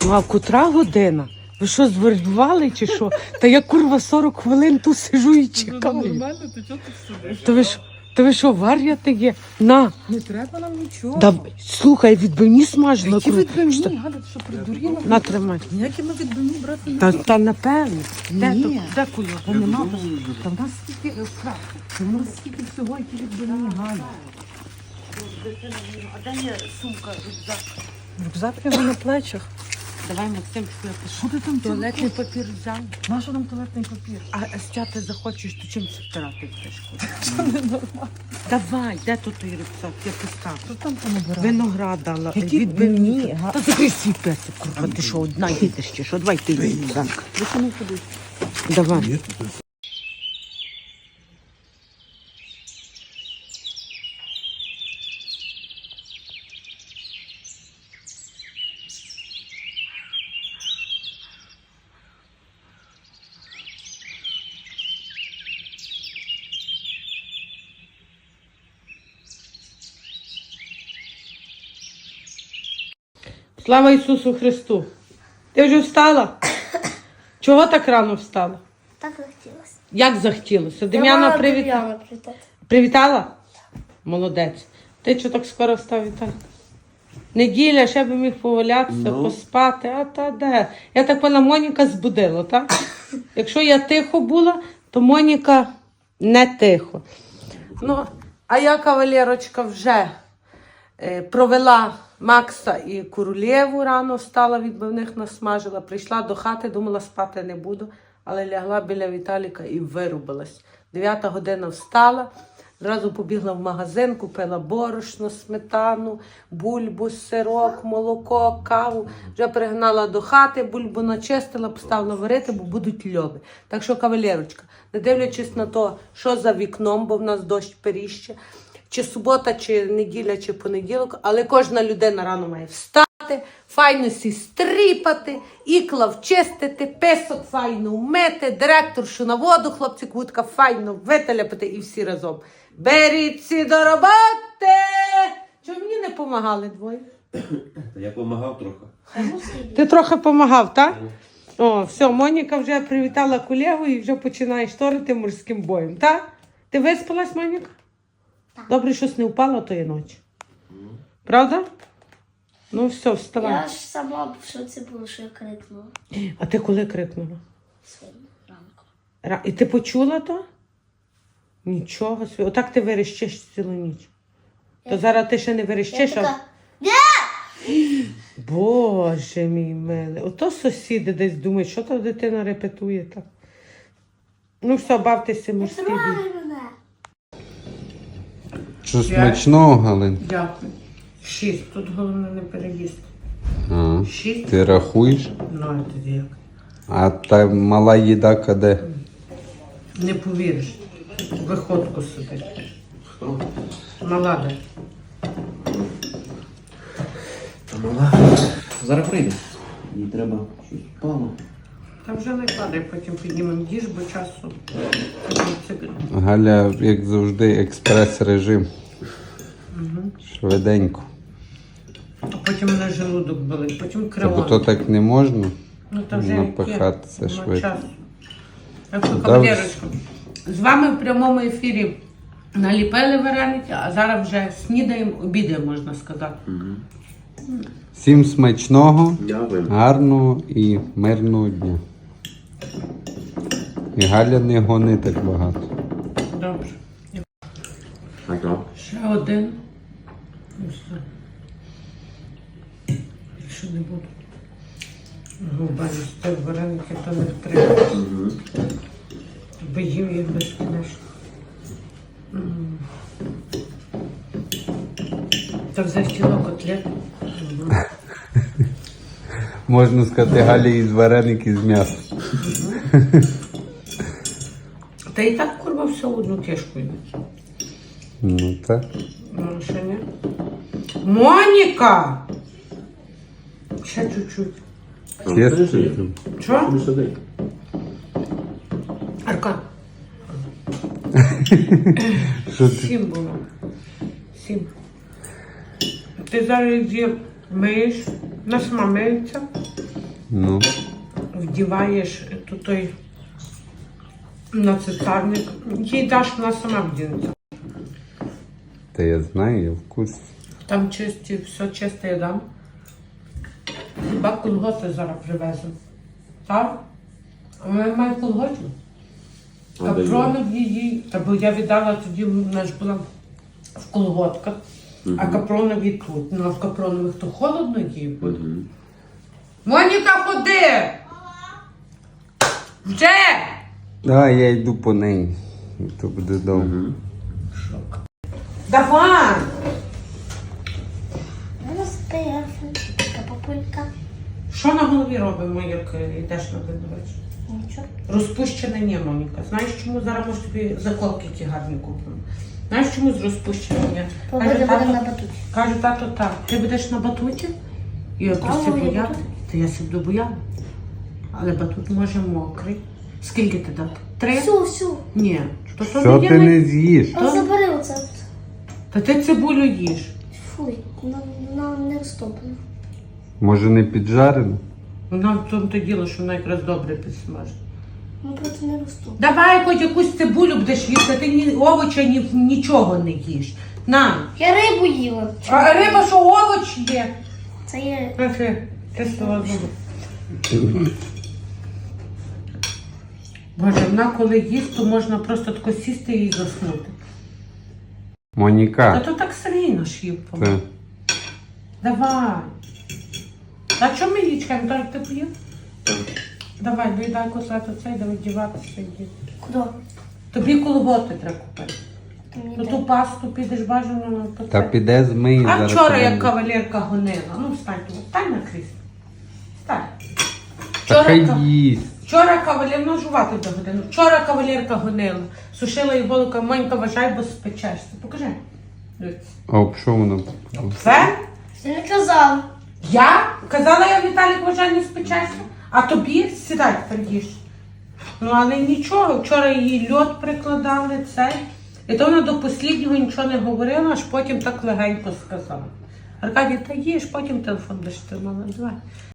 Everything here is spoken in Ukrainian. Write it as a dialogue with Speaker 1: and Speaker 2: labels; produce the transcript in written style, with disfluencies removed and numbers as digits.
Speaker 1: Ну, а котра година? Ви що, звербували чи що? Та я, курва, 40 хвилин тут сижу і чекаю.
Speaker 2: Нормально, ти чого тут сидиш?
Speaker 1: То ви що, вар'яти є? На.
Speaker 2: Не треба нам нічого.
Speaker 1: Да, слухай, відбивні смажила.
Speaker 2: Які
Speaker 1: курва.
Speaker 2: відбивні? Галя, ти що, придуріла?
Speaker 1: На, тримай.
Speaker 2: Ніякі ми відбивні брати не
Speaker 1: Та напевно.
Speaker 2: Ні.
Speaker 1: Де кульок?
Speaker 2: Та нема. Та в нас скільки Та в нас скільки всього, які відбивні, Галя.
Speaker 1: А де є сумка, рюкзак?
Speaker 2: Рюкзак його на плечах.
Speaker 1: Давай, Максим, пішли.
Speaker 2: Що ти там
Speaker 1: Туалетний папір взяв.
Speaker 2: Нащо нам туалетний папір?
Speaker 1: А стяти захочеш, то чим це втирати будеш?
Speaker 2: Це не нормально.
Speaker 1: Давай, де тут той рюкзак? Я поставлю.
Speaker 2: Що там понабирати?
Speaker 1: Виноград дала.
Speaker 2: Які відбивні?
Speaker 1: Та закрий свій песик, курва, ти що, одна їдеш чи що? Давай ти рюкзак.
Speaker 2: Ви що не ходиш?
Speaker 1: Давай. Слава Ісусу Христу! Ти вже встала? Чого так рано встала?
Speaker 3: Так захотілося.
Speaker 1: Як захотілося? Дем'яна привітала? Привітала? Молодець. Ти чого так скоро встав, Віталій? Неділя, ще би міг повалятися, поспати, а та де? Я так поняла, Моніка збудила, так? Якщо я тихо була, то Моніка не тихо. Ну, а я, кавалерочка, вже провела Макса і Королєву, рано встала, відбивних насмажила, прийшла до хати, думала, спати не буду, але лягла біля Віталіка і вирубилась. 9 година встала, зразу побігла в магазин, купила борошно, сметану, бульбу, сирок, молоко, каву. Вже пригнала до хати, бульбу начистила, поставила варити, бо будуть льоби. Так що, кавалерочка, не дивлячись на те, що за вікном, бо в нас дощ періще, чи субота, чи неділя, чи понеділок, але кожна людина рано має встати, файно сі стріпати, ікла вчистити, песок файно вмити, директоршу на воду, хлопці квутка файно вителяпати і всі разом. Беріться до роботи! Чого мені не помагали двоє?
Speaker 4: Я допомагав трохи.
Speaker 1: Ти трохи помагав, так? О, все, Моніка вже привітала колегу і вже починає шторити морським боєм, так? Ти виспалась, Моніка?
Speaker 3: Так.
Speaker 1: Добре, щось не впало тої ночі. Правда? Ну все, вставай.
Speaker 3: Я ж сама в шоці була, що я крикнула
Speaker 1: А ти коли крикнула?
Speaker 3: своїм ранком.
Speaker 1: І ти почула то? Нічого собі. Отак ти верещиш цілу ніч. То зараз ти ще не
Speaker 3: Я
Speaker 1: верещиш, а...
Speaker 3: така,
Speaker 1: Боже мій милий. Ото сусіди десь думають, що та дитина репетує так. Ну все, бавтеся
Speaker 3: не
Speaker 1: морський
Speaker 3: трогай
Speaker 1: бій.
Speaker 3: мене.
Speaker 5: Що смачного, Галин?
Speaker 1: Дякую. 6. Тут головне не переїсти.
Speaker 5: А,
Speaker 1: 6?
Speaker 5: ти рахуєш?
Speaker 1: Ну, а тоді як?
Speaker 5: А та мала їдака де?
Speaker 1: Не повіриш. В виходку сидить.
Speaker 4: Хто?
Speaker 1: Мала де.
Speaker 4: Та мала. Зараз прийде. Їй треба щось впало.
Speaker 1: Та вже не падай, потім піднімемо їж, бо часу.
Speaker 5: Галя, як завжди, експрес-режим. Швиденько.
Speaker 1: А потім мене желудок болить, потім
Speaker 5: Та бо то
Speaker 1: кривон.
Speaker 5: так не можна
Speaker 1: Ну, та вже
Speaker 5: напихатися
Speaker 1: яке?
Speaker 5: швидко.
Speaker 1: Часу. Так що,
Speaker 5: Да,
Speaker 1: кавалерочка, з вами в прямому ефірі наліпили вареники, а зараз вже снідаємо, обідаємо, можна сказати.
Speaker 5: Всім смачного,
Speaker 4: Дякую.
Speaker 5: гарного і мирного дня. І Галя не гони так багато.
Speaker 1: Добре.
Speaker 4: А то?
Speaker 1: Ще один. І все. Якщо не буду губа їсти вареники, то не треба. Бо їм їх безкінечно. Та захотіла котлет.
Speaker 5: Можна сказати, Галі із вареники з м'ясом.
Speaker 1: Та і так, курва, все в одну кишку йде.
Speaker 5: Ну так.
Speaker 1: Ну, ще ні. Моніка! Ще чуть-чуть.
Speaker 5: Чесно.
Speaker 1: Що?
Speaker 4: Не сиди.
Speaker 1: Арка.
Speaker 5: Що ти?
Speaker 1: 7 було. 7. Ти зараз їх миєш, нас мамиться,
Speaker 5: Ну,
Speaker 1: вдіваєш тут той на цицарник. Їй даш, вона сама вдінеться.
Speaker 5: та я знаю, я в курсі.
Speaker 1: Там чисті, все чисте я дам. Хіба колготи зараз привезу. Так? А вона має колготів. Капронові їй, та бо я віддала тоді, вона ж була в колготках, а капронові тут. Ну а в капронових то холодно їй буде. Моніка, ходи! Вже!
Speaker 5: А, я йду по неї. То буде довго.
Speaker 1: Давай!
Speaker 3: Розпияв. Така папулька.
Speaker 1: Що на голові робимо, як йдеш на день речі?
Speaker 3: Нічого.
Speaker 1: Розпущене ні, Моніка. Знаєш, чому зараз може тобі заколки ті гарні купимо? Знаєш, чому з розпущеним ні?
Speaker 3: Побуде будемо на батуті.
Speaker 1: Каже, тато, так. Ти будеш на батуті? Я просто
Speaker 3: я
Speaker 1: бояла.
Speaker 3: буду.
Speaker 1: Та я себе бояла. Але батут може мокрий. Скільки ти дати? 3?
Speaker 3: Всю.
Speaker 1: Ні. То
Speaker 5: Що
Speaker 1: є
Speaker 5: ти не з'їш?
Speaker 3: А забери оце.
Speaker 1: Та ти цибулю їш.
Speaker 3: Фуй, вона не розтоплена.
Speaker 5: Може не піджарено?
Speaker 1: Вона в тому то діло, що вона якраз добре підсмажить.
Speaker 3: Ну просто не розтоплена.
Speaker 1: Давай хоч якусь цибулю будеш їсти, ти ні овоча, нічого не їш. На.
Speaker 3: Я рибу їла.
Speaker 1: А риба, що овоч є?
Speaker 3: Це є.
Speaker 1: Ти слова зуби. Боже, вона коли їсть, то можна просто тако сісти і заснути. Та
Speaker 5: Моніка.
Speaker 1: то так Сергій ж їв.
Speaker 5: Це.
Speaker 1: Давай. А чому ми її чекаємо? Так ти поїв? Давай, доїдай котлету цей, давай діватися йди.
Speaker 3: Куди?
Speaker 1: Тобі колготи треба купити.
Speaker 3: Ти мені
Speaker 1: Ну
Speaker 3: дай.
Speaker 1: ту пасту підеш бажано на
Speaker 5: Та
Speaker 1: пацан.
Speaker 5: піде змий
Speaker 1: А
Speaker 5: зараз.
Speaker 1: вчора
Speaker 5: тебе
Speaker 1: як
Speaker 5: не-
Speaker 1: кавалерка гонила. Ну встань тут, встань на крісло. Встань.
Speaker 5: Та хай
Speaker 1: ка-
Speaker 5: їсть.
Speaker 1: Вчора кавалерка, ну жувати до годину. Вчора кавалерка гонила. Сушила їй голука, Монька, вважай, бо спечешся. Покажи. Дивіться.
Speaker 5: А об що воно?
Speaker 1: Все?
Speaker 3: Ти не казав.
Speaker 1: Я? Казала я, Віталік, вважай, не спечешся. А тобі сідай, тепер їж. Ну, але нічого. Вчора її льод прикладали, цей. І то вона до посліднього нічого не говорила, аж потім так легенько сказала. Аркадій, та їж, потім телефон будеш тримала. Давай.